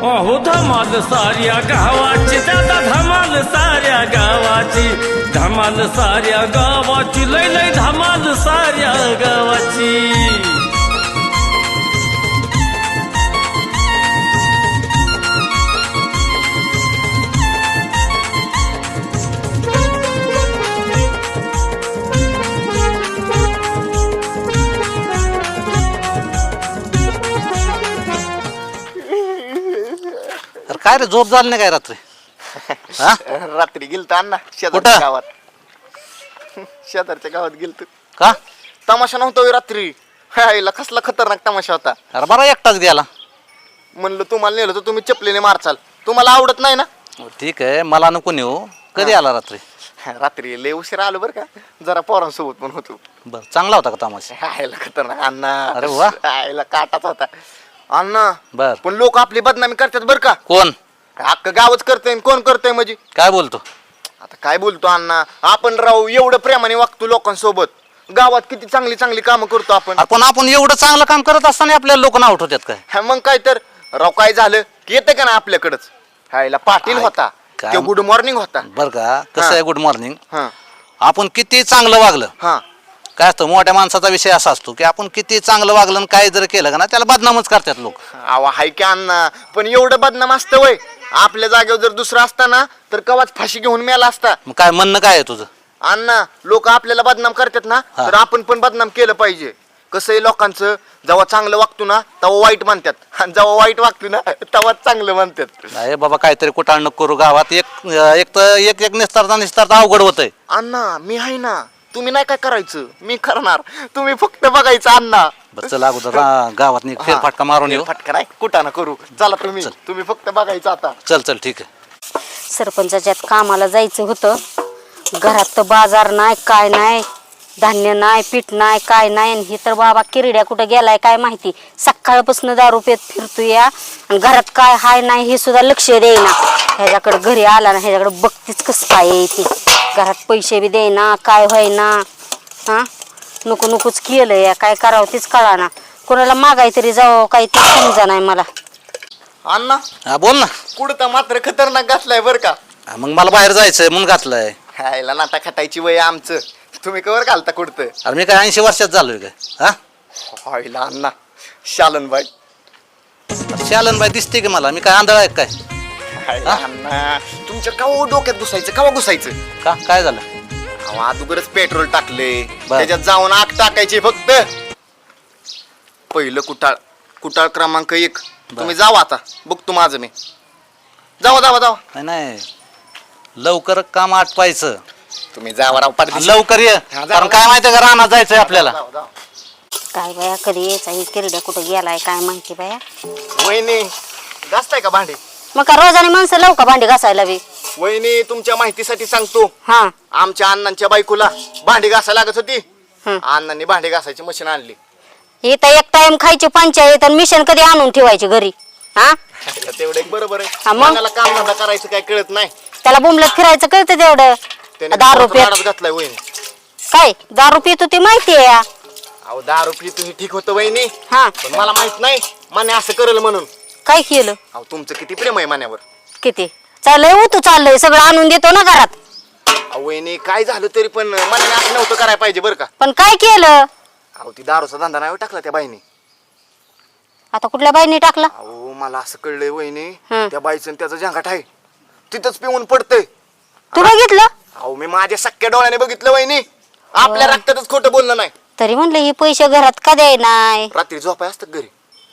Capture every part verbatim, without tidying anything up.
अहो धमाल साऱ्या गावाची दादा धमाल साऱ्या गावाची धमाल साऱ्या गावाची लय लय धमाल साऱ्या गावाची काय रे झोप झाली नाही काय रात्री? हा? रात्री गेलतो अण्णा कुठं? शेजारच्या गावात. शेजारच्या गावात गेलतो. का? तमाशा नव्हता होय रात्री. हायला कसला खतरनाक तमाशा होता. अरे बरा एकटाच गेला. म्हणलं तुम्हाला नेलं तर तुम्ही चपलीने मारचाल. तुम्हाला आवडत नाही ना? ठीक आहे मला नको नेऊ. कधी आला रात्री? रात्री लय उशीर आलो बरं का. जरा पोरांसोबत पण होतो. बर चांगला होता का तमाशा? हायला खतरनाक अण्णा. अरे वा. हायला काटाच होता अण्णा. बर पण लोक आपली बदनामी करतात बरं का. कोण? अख्खं गावच करतंय कोण करतंय म्हणजे. काय बोलतो? आता काय बोलतो अण्णा. आपण राहू एवढं प्रेमाने वागतो लोकांसोबत. गावात किती चांगली चांगली कामं करतो आपण. आपण आपण एवढं चांगलं काम करत असताना आपल्याला लोक नाव उठवतात काय? हा मग काय तर राव काय झालं की येतं का ना आपल्याकडच. हायला पाटील काय- होता काय- तो गुड मॉर्निंग होता. बर का कसं हा. आहे गुड मॉर्निंग. हा आपण किती चांगलं वागलं हा काय असतं मोठ्या माणसाचा विषय असा असतो की आपण किती चांगलं वागलं आणि काय जर केलं का ना त्याला बदनामच करतात लोक. आवा हाय की अण्णा. पण एवढं बदनाम असतं वय. आपल्या जागेवर जर दुसरं असता ना तर कवाच फाशी घेऊन मेला असता. मग काय म्हणणं काय आहे तुझं? अण्णा लोक आपल्याला बदनाम करतात ना हा. तर आपण पण बदनाम केलं पाहिजे. कसं आहे लोकांचं जेव्हा चांगलं वागतो ना तेव्हा वाईट म्हणतात आणि जेव्हा वाईट वागतो ना तेव्हा चांगलं म्हणतात. नाही बाबा काहीतरी कुठाळ नको करू गावात. एक एक तर एक एक निस्तारता निस्तारता अवघड होतंय. अण्णा मी आहे ना. तुम्ही नाही काय करायचं मी करणार. तुम्ही फक्त बघायचं अण्णा. बरं चल अगोदर रा- गावात नी फेरफटका मारून येऊ. फटका नाही कुठं ना करू. चला तुम्ही तुम्ही फक्त बघायचं आता. चल चल ठीक आहे. सरपंचाच्यात कामाला जायचं होतं. घरात तर बाजार नाही काय नाही धान्य नाही पीठ नाही काय नाही. आणि हे तर बाबा किरड्या कुठं गेलाय काय माहिती. सकाळपासून दारू पेत फिरतो या आणि घरात काय हाय नाही हे सुद्धा लक्ष देईना. ह्याच्याकडे घरी आला ना ह्याच्याकडे बघतीच कसं काय येते. घरात पैसे बी देईना काय व्हायना. हा नको नकोच केलं या काय करावं तेच कळाना. कोणाला मागाय तरी जावं काही ते समजा नाही मला. अण्णा हा बोल ना. कुठं तर मात्र खतरनाक घातलाय बर का. हा, मग मला बाहेर जायचंय म्हणून घातलंय. हायला नाटा खटायची वय आमचं. तुम्ही कवर घालता कुठतं. अरे मी काय ऐंशी वर्षात झालोय काय? हा हायला अण्णा शालन बाई. शालन बाई दिसते की मला? मी काय आंधळा आहे काय? हायला अण्णा तुमच्या कवा डोक्यात घुसायचं कवा घुसायचं. का काय झालं? अहो, अगोदरच पेट्रोल टाकले बर. त्याच्यात जाऊन आग टाकायची फक्त. पहिलं कुटाळ कुटाळ क्रमांक एक. तुम्ही जावा आता बघतो माझं मी. जावा जावा जावा नाही नाही लवकर काम आटपायचं. तुम्ही जावा राव पाटील. लवकर ये हा, जा, कारण जा. काय माहितीये का रानात जायचंय आपल्याला. जावा, जावा. काय बाया कधी यायचा ही किरड्या कुठं गेलाय काय माहिती बाया. वहिनी घासताय का भांडे? मग का रोजाने माणसं लावू का भांडी घासायला बी. वहिनी तुमच्या माहितीसाठी सांगतो. हा आमच्या अण्णांच्या बायकोला भांडी घासायला लागत होती. हं. अण्णांनी भांडी घासायची मशीन आणली. हे तर एक टाइम खायची पंचायत आणि मिशन कधी आणून ठेवायची घरी. हा तेवढं एक बरोबर हा, आहे. मग? मग काम धंदा करायचं काय कळत नाही. त्याला बुमलत फिरायचं कळतं तेवढं. त्याने दारू दारूचा पेत लाडात घातलाय वहिनी. काय दारू पितो ते माहितीये या. अहो दारू पितो हे ठीक होतं वहिनी. हा पण मला माहित नाही माने असं करेल म्हणून. काय केलं अहो तुमचं किती प्रेम आहे मान्यावर. किती चाललंय हो तू चाललंय सगळं आणून देतो ना घरात. अहो वहिनी काय झालं तरी पण मान्याने असं नव्हतं करायला पाहिजे बरं का. पण काय केलं अहो ती दारूचा धंदा नाही टाकला त्या बाईने. आता कुठल्या बाईने टाकला. अहो मला असं कळलंय वहिनी हं. त्या बाईचं आणि त्याचं झंगाट आहे तिथंच पिऊन पडतंय. तू बघितलं अहो मी माझ्या सख्या डोळ्याने बघितलं वहिनी. आपल्या रक्तातच खोटं बोलणं नाही. तरी म्हणलं हे पैसे घरात का द्याय नाही. रात्री झोपाय असतात घरी.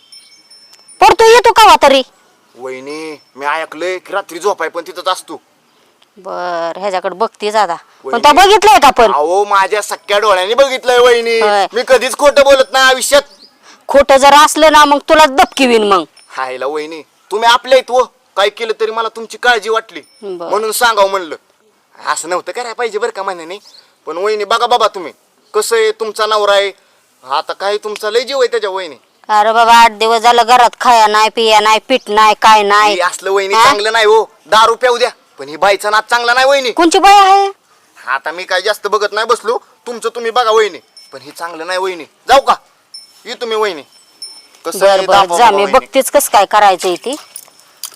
पडतो येतो का तरी. वहिनी मी ऐकलंय की रात्री झोपाय पण तिथंच असतो. बर ह्याच्याकडे बघतीच आता. पण वहिनी. तो बघितलंय का पण. अहो माझ्या सख्या डोळ्याने बघितलंय वहिनी. होय. मी कधीच खोटं बोलत नाही आयुष्यात. खोटं जर असलं ना मग तुला दबकी विन मग. हायला वहिनी तुम्ही आपल्या आहेत व काय केलं तरी मला तुमची काळजी वाटली बरं. म्हणून सांगावं म्हणलं. असं नव्हतं करायला पाहिजे बरं का म्हणे. पण वहिनी बघा बाबा तुम्ही कसं आहे तुमचा नवरा आहे. आता काय तुमचा लय जीव आहे त्याच्या वहिनी. अरे बाबा आठ दिवस झालं घरात खाया नाही पिया नाही पीठ नाही काय नाही. हे असलं वहिनी हा? चांगलं नाही हो. दारू प्याऊ द्या पण ही बाईचा नाद चांगला नाही वहिनी. कोणची बाई आहे. आता मी काय जास्त बघत नाही बसलो. तुमचं तुम्ही बघा वहिनी. पण ही चांगलं नाही वहिनी. जाऊ का ये तुम्ही वहिनी. कसं बर आहे, बर दाबा जा बाबा मी वहिनी. बघतेच कस काय करायचंय ती.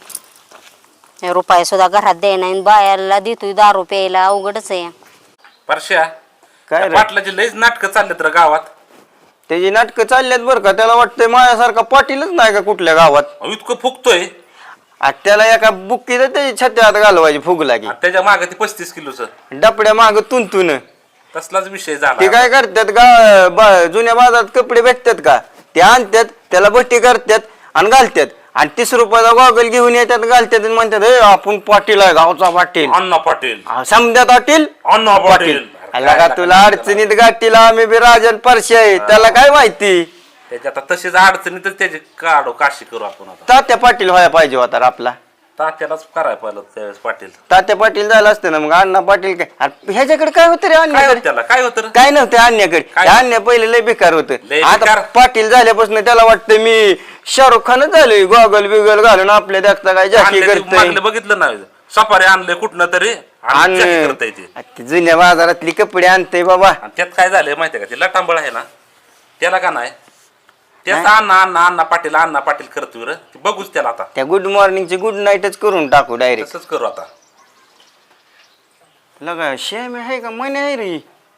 रुपये सुद्धा घरात द्याय नाही बायाला देतोय दारू प्यायला अवघडच आहे. परश्या काय रे? पाटलाची लईच नाटकं चाललेत रे गावात. त्याची नाटकं चालल्यात बरं का. त्याला वाटतंय माझ्यासारखा पाटीलच नाही का कुठल्या गावात. अहो, इतकं फुकतोय आणि त्याला एका बुक्कीला त्याची छत्यात घालवायची फुगला की आणि त्याच्या मागे ते पस्तीस किलोचं डपड्या माग तुंतून. तसलाच विषय ते झाला. काय करतात गा बा- जुन्या बाजारात कपडे भेटतात का ते आणतात त्याला भट्टी करतात आणि घालतात आणि तीस रुपयाचा गॉगल घेऊन येतात घालतात आणि म्हणतात "ए, आपण पाटील आहे गावचा पाटील अण्णा पाटील समजा पाटील अण्णा पाटील आला का तुला अडचणीत गाठीला आम्ही बी राजन परशे आहे त्याला काय माहिती. त्याच्या आता तशीच अडचणीतच त्याची काढू काशी करू आपण आता. तात्या पाटील व्हायला पाहिजे होता रे आपला. तात्यालाच करायला पाहिलं त्यावेळेस पाटील. तात्या पाटील झालं असतं ना मग अण्णा पाटील काय अरे ह्याच्याकडे काय होतं रे काय होतं अन्याकडे त्याला काय होतं रे? काय नव्हतं अन्याकडे काय? अन्य पहिले लय बेकार होतं. लय आता बेकार? पाटील झाल्यापासून त्याला वाटतं मी शाहरुख खानच झालोय गॉगल बिगल घालून आपल्या देखता काय जास्ती आणले ते करतोय मागलं बघितलं ना सफारी आणले कुठनं तरी आणि जास्त करता येते. आणि ते जुन्या बाजारातली कपडे आणते बाबा. आणि त्यात काय झालंय माहितीये का ते लटांबळ आहे ना त्याला का नाही त्याच अण्णा अण्णा अण्णा पाटील अण्णा पाटील करतोय रे. ते बघूच त्याला आता त्या गुड मॉर्निंगची गुड नाईटच करून टाकू डायरेक्ट. तसंच करू आता. लगा शेम आहे का म्हणे आहे रे.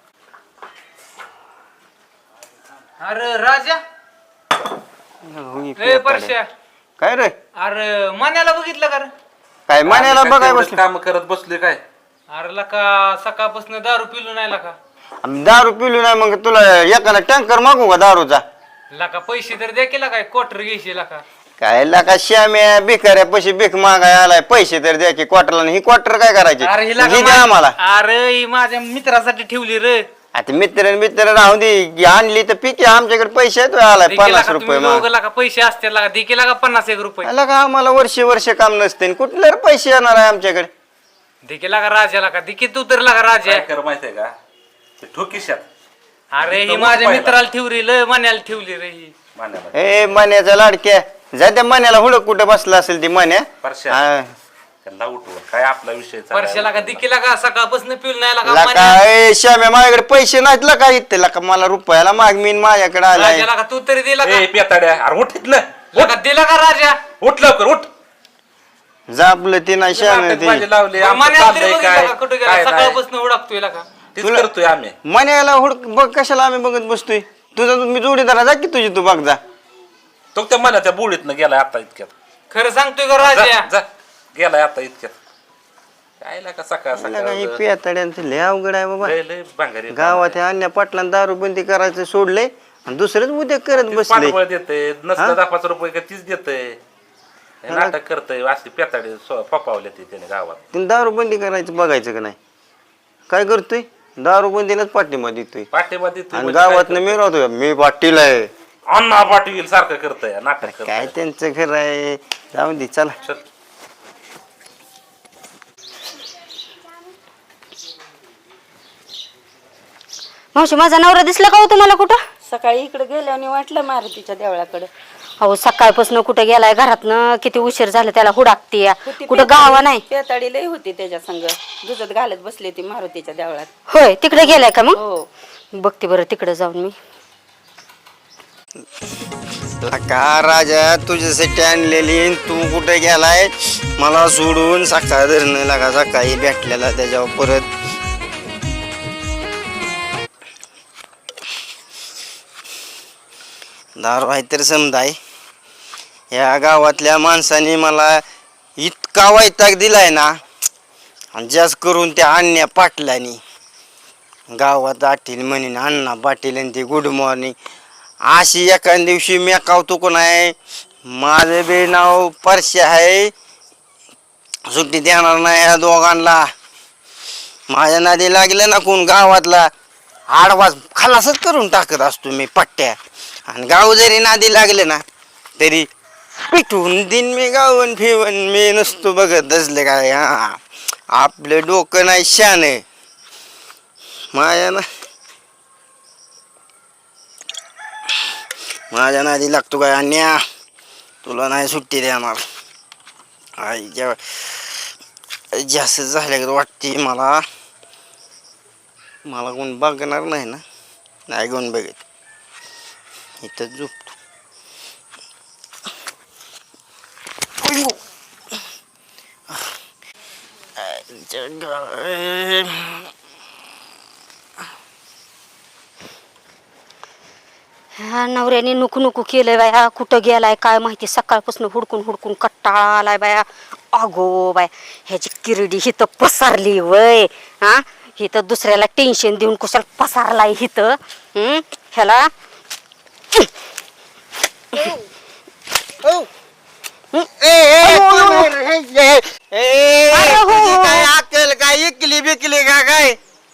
अरे राजा होई ए परश्या काय रे अरे मण्याला बघितलं का रे? काय म्हणायला बघाय बसले काम करत बसले काय. अरे लका सकाळपासून दारू पिलू नाही लका आम्ही दारू पिलू नाही मग तुला एकाला टँकर मागू का दारूचा. लका पैसे तर द्या केला काय क्वार्टर घ्यायचे लका काय लाका श्याम्या भिकाऱ्या पैसे भीक मागाय आलाय पैसे तर द्या की क्वार्टरला ही क्वार्टर काय करायचे अरे हिला ही द्या आम्हाला. अरे ही माझ्या मित्रासाठी ठेवली रे आता मित्र मित्र राहून दे आणली तर पिके आमच्याकडे पैसे आहेत आलाय दे पन्नास केला का रुपये तुम्ही दोघं लका पैसे असते लका दे केला का पन्नास एक रुपये आला का आम्हाला वर्ष वर्ष काम नसते कुठले रे पैसे येणार आहे आमच्याकडे. दे केला का राजाला का दे तू तर लका राजा काय कर माहितीये का ते ठोकीशात अरे ही इथं माझ्या उठ मित्राला ठेवली लय मण्याला ठेवली रे ही मान्याला ए मण्याचा लाडक्या जा त्या मण्याला हुडक कुठं बसला असेल ती मण्या परश्या. हा. त्यांना उठव काय आपला विषय चाललाय. परश्याला का दे केला का सकाळपासून पिल नाही लका लका मण्या- ए श्याम्या माझ्याकडे पैसे नाहीत लका इथे लका मला रुपयाला माग मी माझ्याकडे आलाय. राजाला का तू तरी दिला का ए पेताड्या अरे उठ इथलं लका दिला का राजा उठ लवकर उठ. जापलं ते नाही श्याम्या नाटक ते माझे लावले आमचं मण्याला तरी चाललंय बघितलं काय का कुठे गेला काय नाही. सकाळपासून उडकतोय लका तेच करतोय आम्ही. मण्याला हुडक बघ कशाला आम्ही बघत बसतोय. तुझा मी जोडीदार जा की तुझी तू बघ जा. तो त्या मला त्या बुडीतनं गेलाय आता इतक्यात. खरं सांगतोय का जा राजा जा. गेलाय आता इतक्यात. काय लागा सकाळ मला काही सकाळ पेताड्यांचं लय अवघड आहे बाबा. लय लय भांगारी गावात ह्या अन्य पाटलांना दारू बंदी करायचं सोडलंय आणि दुसरेच उद्या करत बसले. पाठबळ देते हा? नसलं दहा पाच रुपये का तीच देते नाटक करतय अशी पेताडे पपावले ते त्याने गावात. तिने दारू बंदी करायचं बघायचं का नाही. काय करतोय दारू बंदीलाच पाठिंबा देतोय पाठिंबा देतोय आणि म्हणजे गावात काय मी राहतोय मी पाटील आहे. करतोय? अण्णा पाटील सारखं करतय नाटक काय करतय. त्यांचं घर आहे जाऊ दे चला. चल. मावशी माझा नवरा दिसला का हो तुम्हाला कुठं. सकाळी इकडे गेल्याने वाटलं मारुतीच्या देवळाकडे अहो सकाळपासून कुठे गेलाय घरातनं किती उशीर झाला त्याला हुडाकते होती कुठं पेताळी- गावा नाही. पेताळी लई होती त्याच्या संग दुधत घालत बसली ती मारुतीच्या देवळात. होय तिकडे गेलाय का मग हो बघते बरं तिकडे जाऊन मी. का राजा तुझ्यासाठी आणलेली तू कुठे गेलाय मला सोडून सकाळ धरणं लागा सकाळी भेटलेला त्याच्यावर परत दारू आहे तर समजाय. या गावातल्या माणसाने मला इतका वैताग दिलाय ना आणि जास्त करून त्या अन्या पाटलानी गावात आटील म्हणेन अण्णा पाटील आणि ते गुड मॉर्निंग अशी एका दिवशी मी कावतो कोण आहे. माझं बी नाव परशे आहे सुट्टी देणार नाही या दोघांना. माझ्या नादी लागलं ना कोण गावातला आडवाज खलासच करून टाकत असतो मी पट्ट्या. आणि गाव जरी नादी लागले ना तरी पिटून दिन मी गावन फिवन मी नसतो बघत असले काय. हा आपलं डोकं नाही शान माझ्या ना माझ्या नादी लागतो काय अन्या तुला नाही सुट्टी देणार. आई जेव्हा जास्त झाल्या वाटते मला मला कोण बघणार नाही ना नाही कोण बघत इथं झोपतो. अयो. आईचं गाव. ह्या नवऱ्याने नुकू नुकू केलंय बाया, कुठं गेलाय काय माहिती, सकाळपासून हुडकून हुडकून कट्टाळा आलाय बाया. अगो बाय, ह्याची किरडी हिथं पसारली वय. हा, हिथं दुसऱ्याला टेन्शन देऊन कुशाला पसारलाय हिथं. हम्म ह्याला ए, ए, कोण रे? ए, ए, अरे हो, तुझी हो. काय अक्कल काय इकली बिकली का काय?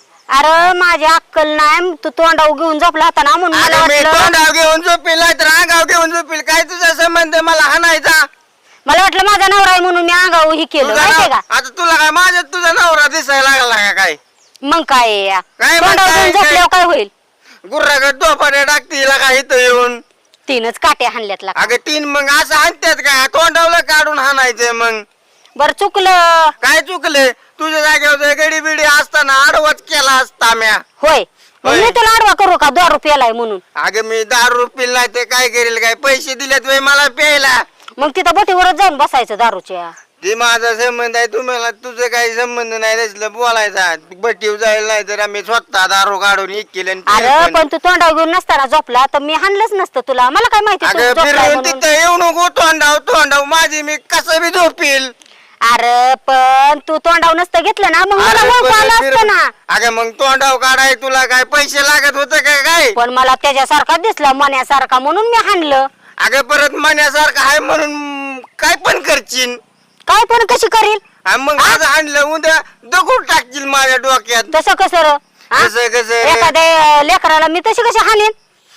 अरे माझी अक्कल नाही, तू तोंडाव घेऊन झोपला होता ना म्हणून मला अरे मी वाटलं तोंडाव घेऊन झोपेल नाही तर अंगाव घेऊन झोपेल. काय तुझा संबंध मला हाणायचा? मला वाटलं माझा नवरा आहे म्हणून मी अंगावर ही केलं तुझा माहितीये नव- का. आता तुला काय माझ्या तुझा नवरा दिसायला लागला का काय? मग काय आहे या? काय तोंडावर म्हणताय? घेऊन झोपल्यावर काय होईल? गुर्रागत दोपाट्या टाकतील का इथं येऊन? तीनच काट्या हाणल्यात लागा. अगं तीन मग असं हाणतात का? तोंडावलं काढून हाणायचं मग. बर चुकलं. काय चुकले? तुझ्या जागेवर गडी बिडी असताना आडवच केला असता म्या. होय मग होय. मी तुला आडवा करू का दारू प्यालाय म्हणून? अगं मी दारू पिल नाही ते काय करेल? काय पैसे दिलेत वे मला प्यायला? मग तिथं बोटीवरच जाऊन बसायचं दारूच्या. ते माझा संबंध आहे, तुम्हाला तुझं काही संबंध नाही त्याच्यातलं बोलायचा. बटीव जाईल नाही तर आम्ही स्वतः दारू काढून एक केलं आणि पिलं अरे पण. पण तू तोंडावर घेऊन नसताना झोपला तर मी हाणलंच नसतं तुला. मला काय माहिती तू अगं झोपलाय फिरून म्हणून. तिथं येऊ नको तोंडाव तोंडाव माझी मी कसं बी झोपील. अरे पण तू तोंडावर नसतं घेतलं ना मग मला अरे ओळखू पण आलं फिर- असतं ना. अगं मग तोंडाव काढाय तुला काय पैसे लागत होते का काय? पण मला त्याच्यासारखा दिसला मण्यासारखा म्हणून मी हाणलं. अगं परत मण्यासारखं आहे म्हणून काय पण करशील. काय पण कशी करील? आणि मग आज आणलं उद्या दगड टाकशील माझ्या डोक्यात. तसं कसं र? हा? कसं कसं? एखाद्या लेकराला मी तशी कशी हाणीन?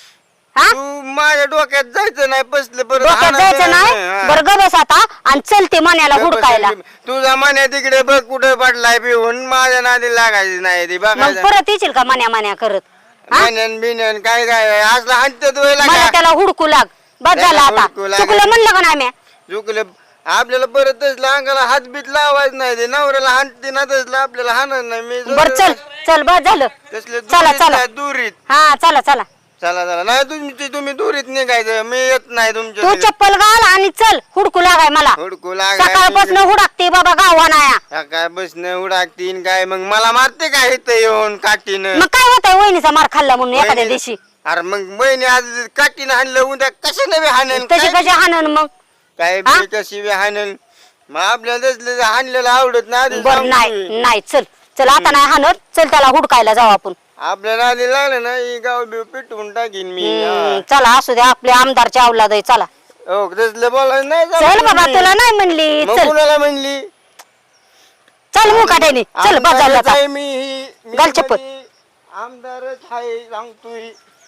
हा तू माझ्या डोक्यात जायचं नाही बसलं परत डोक्यात हाणायचं जायचं नाही. हा. बरं ग बस आता आणि चलते मण्याला हुडकायला. तुझा मन्या तिकडे बघ कुठे पडलाय पिऊन माझ्या नादी लागायची नाही ती मग बघायचं. परत येशील का मन्या मन्या करत? हा? मन्यान बिन्यान काय काय असलं हाणतात व्हायला मला का? त्याला हुडकू लाग. बस त्याला झालं आता. हुडकू लाग. चुकलं म्हणलं का नाही म्या? चुकलं आपल्याला परत तसलं अंगाला हात बीत लावायचं नाही. ते नवऱ्याला हाणते ना तसलं आपल्याला हाणत नाही. मी बर चल चल बस झालं. तसले चला दुरीत चला नाही, दुरीत हा चला चला. चला चला नाही तुमची तुम्ही दुरीत निघायचं. मी येत नाही तू तुमच्या चप्पल घाल आणि चल हुडकू लागाय मला. हुडकू लागाय. सकाळपासून हुडकते बाबा गावानाया. काय बसणं उडाकतीन काय मग मला मारते काय इथं येऊन काठीनं? मग काय होतंय वहिनीचा मार खाल्ला म्हणून एखाद्या दिवशी? अरे मग बहिणी आज काठीनं हाणलं उद्या कशाने बी हाणन? तशी काय- कशी हाणन मग? काय हा? बी कशी बी हाणन? मग आपल्याला तसलं हाणलेलं आवडत नाही आधीच बर सांगतोय. नाही नाही चल चल आता नाही हाणत. चल त्याला हुडकायला जाऊ आपण. आपल्याला आधी लागलं ना ही गाव बिव पिटवून टाकीन मी. हम्म, चला असू दे आपले आमदारच्या अवलाद आहे चला. हा. हो तसलं बोलायचं नाही चल जमत बाबा तुम्ही. तुला नाही म्हणली. मग चल कुणाला म्हणली? चल मुकाट्याने चल बस झालं आमदारच आता. आहे मी ही- मी घाल चप्पल. म्हणजे आमदारच आहे सांगतोय.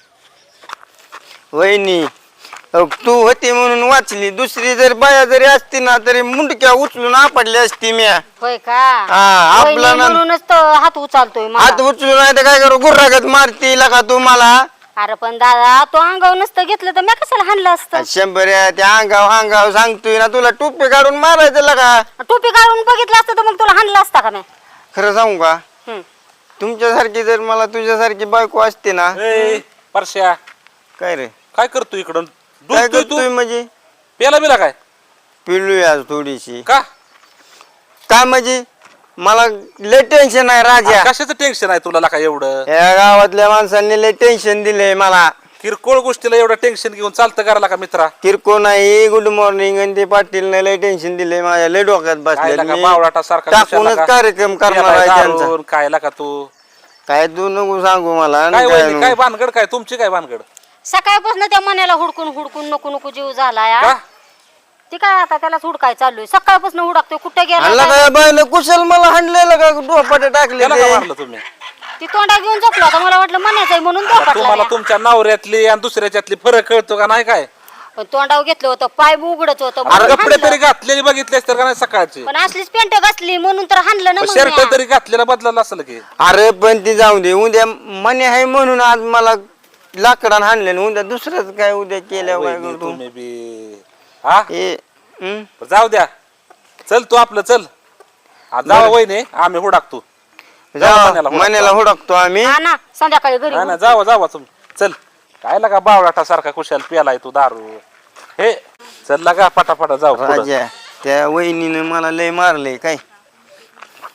वहिनी अहो, तू होती म्हणून वाचली. दुसरी जर बाया जरी असती ना तरी मुंडक्या उचलून आपडली असती म्या. होय का? हा, आपला वहिनी ना- म्हणूनच तर हात उचलतोय मला. हात उचलून नाही तर काय करू गुर्रागत मारती का तू मला? अरे पण दादा तो अंगावर नसतं घेतलं तर मी कशाला हाणलं असतं? शंभर या त्या अंगाव अंगाव सांगतोय ना तुला टोपी काढून मारायचं लगा. टोपी काढून बघितलं असतं तर मग तुला हाणलं असता का मी? खरं सांगू का? हम्म. तुमच्यासारखी जर मला तुझ्यासारखी बायको असते ना. ए परश्या काय रे काय करतो इकडं? काय दूध तू करतोय म्हणजे? पेला बिला काय पिलूय आज थोडीशी. का? काय म्हणजे मला लय टेन्शन आहे राजा. कशाचं टेन्शन आहे तुला का एवढं? या गावातल्या माणसांनी लय टेन्शन दिलंय मला. किरकोळ गोष्टीला एवढं टेन्शन घेऊन चालतं करायला का मित्रा? किरकोळ नाही गुड मॉर्निंग आणि ते पाटील लय टेन्शन दिलंय माझ्या. लय डोक्यात बसले बावळाटा सारखा टाकूनच कार्यक्रम करणार आहे त्यांचा. काय का तू काय तू नको सांगू मला आणि काय काय वहिनी, नको. काय भानगड काय तुमची काय भानगड? सकाळपासून त्या मण्याला हुडकून हुडकून नको नको जीव झाला या. का? ती काय आता त्यालाच हुडकाय चाललोय. सकाळपासून हुडकतोय कुठे आणला गेला काय बायला कुशल मला हाणलेलं का डोपाटे टाकले त्याला का ते? मारलं तुम्ही? ती तोंडा घेऊन झोपला होता. मला वाटलं मण्याचं आहे म्हणून तुम्हाला झोपटला. तुमच्या नवऱ्यातली आणि दुसऱ्याच्यातली फरक कळतो का नाही काय? पण तोंडावर घेतलं होतं पाय उघडच होतं अरे म्हणून कपडे हाणलं. तरी घातलेली बघितलेस तर का नाही सकाळची? पण असलीच पेंट घातली म्हणून तर हाणलं ना मग शर्ट म्या. तरी घातलेला बदलला असेल की? अरे पण ती जाऊ दे. उद्या मने आहे म्हणून आज मला लाकडान हाणले. उद्या दुसरंच काय उद्या केल्या काय वहिनी, करतो? तुम्ही बी हा हे हं? जाऊ द्या. चल तू आपलं चल. आज जावा वहिनी आम्ही हुडाकतो. जाऊ मण्याला हुडकतो. मण्याला हुडकतो आम्ही. हा ना संध्याकाळी घरी हा ना जावा जावा तुम्ही चल. काय लागा बावळाटा सारखा कुशाल प्यालाय तू दारू. हे चल लागा पटापटा जाऊ पुढं. राजा त्या वहिनीनं मला लय मारले काय.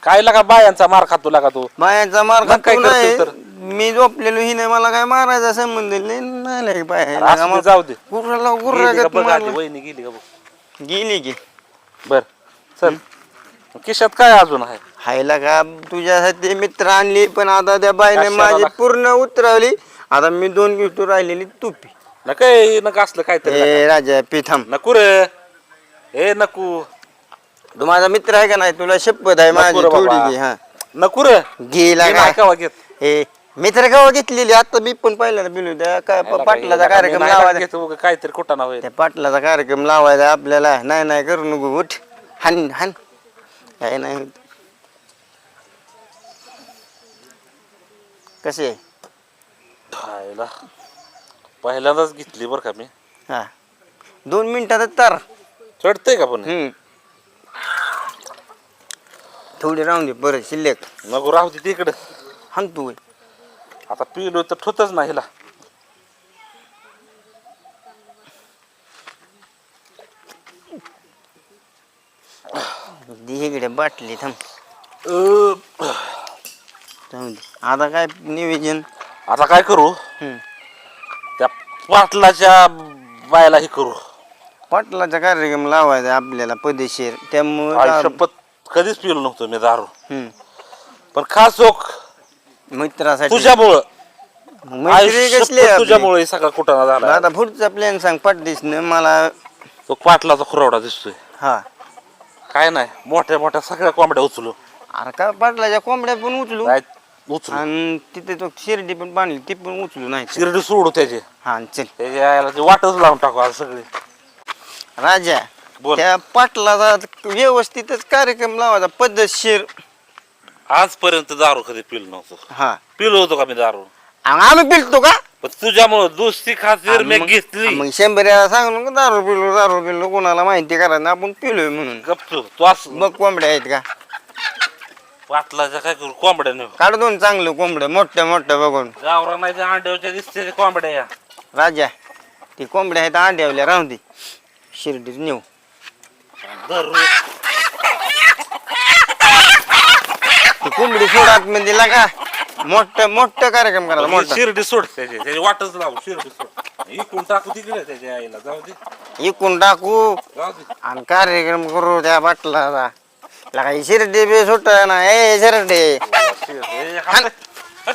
काय लागा बायांचा मार खातो लागा तू बायांचा मार मग काय खातो नाही करतोय तर? मी झोपलेलो ही नाही मला काय मारायचा संबंध नाही नाही लय बाया. असू दे, जाऊ दे. गुर्राला गेली का गुर्रागत बघ आधी, मारलं. वहिनी गेली का बघ. गेली की बर चल खिशात काय अजून आहे हायला का तुझ्यासाठी मित्र आणली पण आता त्या बाईने कशाला माझी लाग- पूर्ण उतरवली. आता मी दोन गिफ्ट राहिलेली तुपी न काय नका असलं काहीतरी ए लागा. राजा पिथम नको रे ए नको तू माझा मित्र आहे का नाही तुला शपथ आहे माझी नको रे थोडी बाबा. घे हा नको रे गेला मी का नाही कवा घेत ए मित्र गावा घेतलेली आता मी पण पहिल्यांदा बिलू त्या काय प- पाटलाचा कार्यक्रम लावायचा काहीतरी कुठं ना होईल त्या पाटलाचा कार्यक्रम लावायचा आपल्याला नाही नाही करू नको उठ हान हान काय नाही होत. कसे आहे? खायला पहिल्यांदाच घेतली बरं का मी हा दोन मिनिटातच तर चढतंय का पण हम्म थोडी राहून दे बरं शिल्लक नको राहू दे तिकडं हान तू आता पिलो तर ठोतच नाही हिला दे इकडे बाटली थांब अं, जाऊन दे. आता काय नियोजन आता काय करू हम्म. त्या पाटलाच्या बायला हे करू पाटलाचा कार्यक्रम लावायचा आपल्याला पदेशीर त्यामुळे आयुष्यपत कधीच पिलो नव्हतो मी दारू हम्म. पण खास चोख मित्रासाठी तुझ्यामुळं मैत्री आयुष्यपत कसली आहे आपली? तुझ्यामुळे हे सगळा कुठं झाला आता पुढचा प्लॅन सांग पाठदिसनं मला तो पाटलाचा खुरावडा दिसतोय हा काय नाही मोठ्या मोठ्या सगळ्या कोंबड्या उचलू अरे का पाटलाच्या कोंबड्या पण उचलू नाही उचलू आणि तिथे तो शिर्डी पण बांधली ती पण उचलू नाही शिर्डी सोडू त्याचे हा चल त्याच्या यायला ते वाटच लावून टाकू आज सगळे राजा बोल. त्या पाटलाचा व्यवस्थितच कार्यक्रम लावायचा पद्धतशीर आजपर्यंत दारू कधी पिलो नव्हतो हा पिलो होतो का मी दारू आणि आम्ही पिलतो का पण तुझ्यामुळं दुसरी खातीर मी मग- घेतली मग शंभर वेळा सांगू नको दारू पिलो दारू पिलो कोणाला माहिती करायचं आपण पिलोय म्हणून गप्प तू असं मग कोंबड्या आहेत का पाटलाच्या काय करू कोंबड्या नेऊ काढ दोन चांगलं कोंबड्या मोठ्या मोठ्या बघून गावरा नाही तर अंड्याच्या दिसते ते कोंबड्या या राजा ती कोंबड्या आहेत अंड्यावल्या राहून दे शिर्डीत नेऊ दारू ती कोंबडी सोडात म्हणजे लागा मोठं मोठं कार्यक्रम करायचा मोठा शिर्डी सोड त्याचे त्याची वाटच लावू शिर्डी सोड इकडून टाकू तिकडे त्याच्या आईला जाऊ दे इकून टाकू जाऊ दे आणि कार्यक्रम करू त्या बाटलाचा लागा ही शिर्डी बी सुट ना ए शिर्डी ए, हात. हट.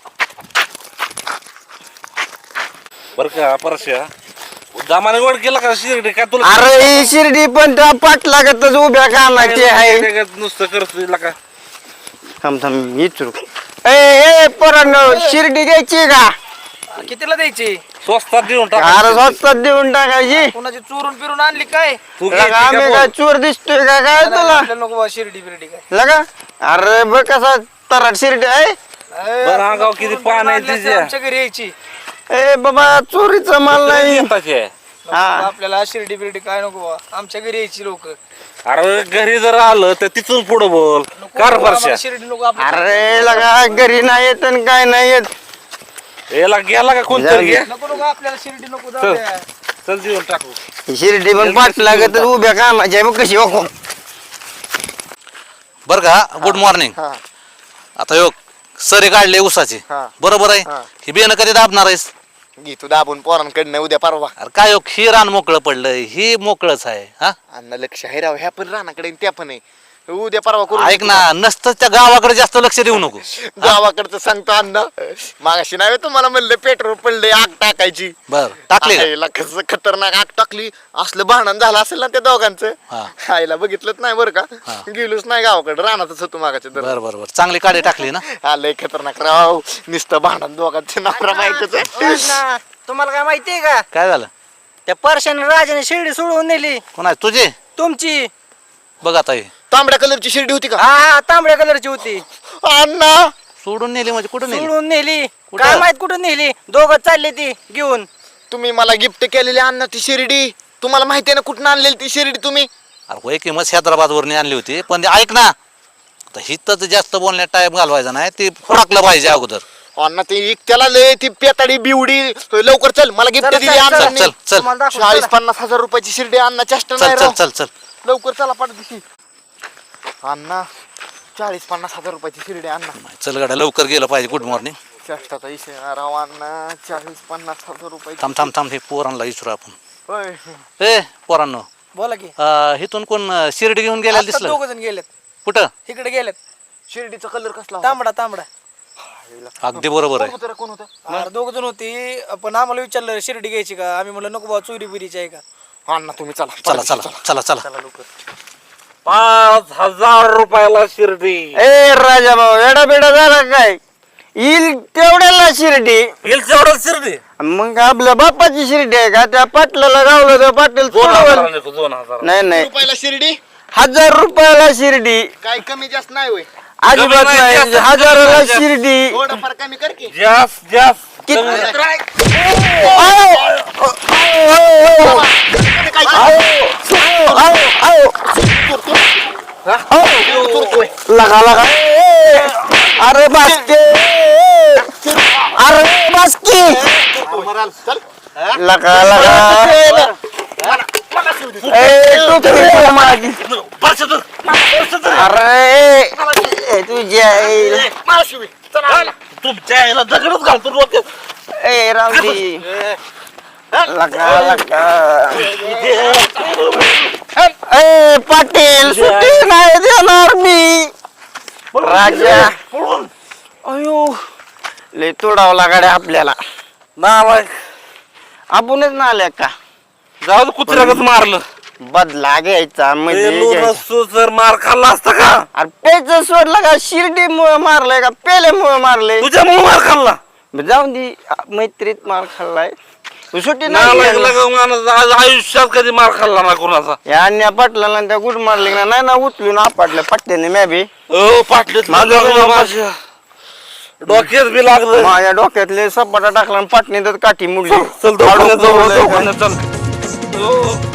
बरं का परश्या दामाने गोड केला का शिर्डी काय तुला अरे ही शिर्डी पण त्या पाटलागतच उभ्या कामाची आहे नुसतं करतो का थांब थांब विचारू ए ए पोरांनो शिर्डी घ्यायची का कितीला द्यायची स्वस्तात देऊन अरे टाक स्वस्तात देऊन टाकायची कोणाची चोरून फिरून आणली काय तू लगा, घ्यायची आम्ही का काय बोल? चोर दिसतोय का काय तुला आपल्याला नको बा शिर्डी बिर्डी काय लगा अरे बघ कसा तराट शिर्डी आहे बरं अंगाव किती पान आहे आणली असती तिच्या आमच्या घरी यायची ए बाबा चोरीचा माल नाही येताची आहे. नको हा. बा, आपल्याला शिर्डी बिर्डी काय नको बा आमच्या घरी यायची लोक अरे घरी जर आलं तर तिथून पुढे बोल कार परश्या शिर्डी नको आपल्या अरे लगा घरी नाही येत आणि काय नाही येत याला गेला का कोणतरी जाऊ दे. घे नको नको आपल्याला शिर्डी नको जाऊ चल द्या. चल देऊन टाकू शिर्डी पण पाठ लागत उभ्या कामाची आहे बघ कशी वाकून बरं का गुड मॉर्निंग हा आता योग सरे काढले उसाचे हा. बरोबर आहे हा. ही बियाणं कधी दाबणार आहेस घे तू दाबून पोरांकडनं उद्या परवा अरे काय योग ही रान मोकळं पडलंय ही मोकळच आहे हा अण्णा लक्ष आहे राव ह्या पण रानाकडे आणि त्या पण आहे उद्या परवा करू ऐक ना नसतं त्या गावाकडे जास्त लक्ष देऊ नको गावाकडचं सांगतो अण्णा मागाशी नाही तुम्हाला म्हणलं पेट्रोल पडले आग टाकायची बर टाकले का? आईला कसं खतरनाक आग टाकली असलं भांडण झालं असेल ना त्या दोघांचं हा. आईला बघितलंच नाही बरं का गेलोच नाही गावाकडे रानातच होतो मागाच्या दर बर बर बर चांगली काढी टाकली ना आलंय खतरनाक राव नुसतं भांडण दोघांचं नवरा बायकोचं ना, तुम्हाला काय माहितीये का काय झालं त्या परशाने राजाने शिर्डी सोडवून नेली कोणा तुझे तुमची बघ आता हे तांबड्या कलरची शिर्डी होती का हा हा तांबड्या कलरची होती अण्णा सोडून नेली म्हणजे कुठं नेली सोडून नेली कुठं? काय माहित कुठून नेली दोघं चालली ती घेऊन तुम्ही मला गिफ्ट केलेली अण्णा ती शिर्डी तुम्हाला माहिती आहे ना कुठून आणलेली ती शिर्डी तुम्ही अरे होय की मग हैदराबाद वरनी आणली होती पण ते ऐक ना आता हिथं जास्त बोलण्यात टाइम घालवायचा नाही ते फुडकलं पाहिजे अगोदर अण्णा ती त्याला लय ती पेताडी बिवडी लवकर चल मला गिफ्ट चला, दिली चला, अण्णा चल चल तुम्हाला दाखवतो, चाळीस चला. पन्नास हजार रुपयाची शिर्डी अण्णा चेष्टा चल नाही चल राव. चल चल लवकर चला पाठ दिशी अण्णा चाळीस पन्नास हजार रुपयाची शिर्डी अण्णा. चल गाड्या लवकर गेलं पाहिजे. Good morning. चेष्टाचा इशे राव अण्णा. चाळीस पन्नास हजार रुपये. थांब थांब थांब हे पोरांना विचारू आपण. होय ए पोरांनो, बोला की अं, इथून कोण अं, शिर्डी घेऊन गेलेला दिसलं? दोघ जण गेलेत कुठं? इकडे गेलेत. शिर्डीचा कलर कसला होता? तांबडा तांबडा अगदी बरोबर कोण आहे. होतं रे, कोण होतं? दोघ जण होती. पण आम्हाला विचारलं शिर्डी घ्यायची का, आम्ही म्हणलं नको बाबा चोरी बिरीची आहे का. अण्णा तुम्ही चला चला चला चला चला. पाच हजार रुपयाला शिर्डी. ए राजा भाऊ एडा बेडा झाला काय? येईल तेवढ्याला शिर्डी. एवढं शिर्डी मग आपल्या बापाची शिर्डी आहे का? त्या पाटलाला गावलं तर पाटील दोन सोडवलं. हजार दोन हजार नाही नाही, रुपयाला शिर्डी. हजार रुपयाला शिर्डी. काय कमी जास्त नाही होय. अजिबात नाही, नाही, जास्त- हजाराला शिर्डी. थोडंफार कमी कर की. जास्त जास्त किती? लगा लगा. अरे बास्के, अरे बास्के. मराल चल. लगा लगा. ए टोपी माझी. अरे ए, तुझ्या आई. तुमच्या दगडच घालतो डोक्यात. ए रावडी. लगा लगा. ए पाटील सुट्टी नाही देणार मी. राजा अयो लय तोडावला गाड्या आपल्याला. नालायक. आपणच ना आल्या का? जाऊ कुत्र्यागत मारलं. बदला घ्यायचा म्हणजे घ्यायचा. नसतो जर मार खाल्ला असता का? अरे पेच सोडला का? शिर्डी मुळे मारलंय का पेल्यामुळे मारलंय? तुझ्यामुळे मार खाल्ला. जाऊन दे, मैत्रीत मार खाल्लाय. सुट्टी नालायक नाही. लगा माणूस आज आयुष्यात कधी मार खाल्ला ना कोणाचा. या अन्या पाटलाला त्या गुड मारले ना नाही ना उचलून आपटलं पट्ट्याने म्या बी. ओ पाटलीत माझ्या माझ्या डोक्यात बी लागलं. माझ्या डोक्यातले सपाटा टाकला आणि पाटणी तर काठी मुडली. चल दवाखान्यात जाऊ, दवाखान्यात चल. ओ.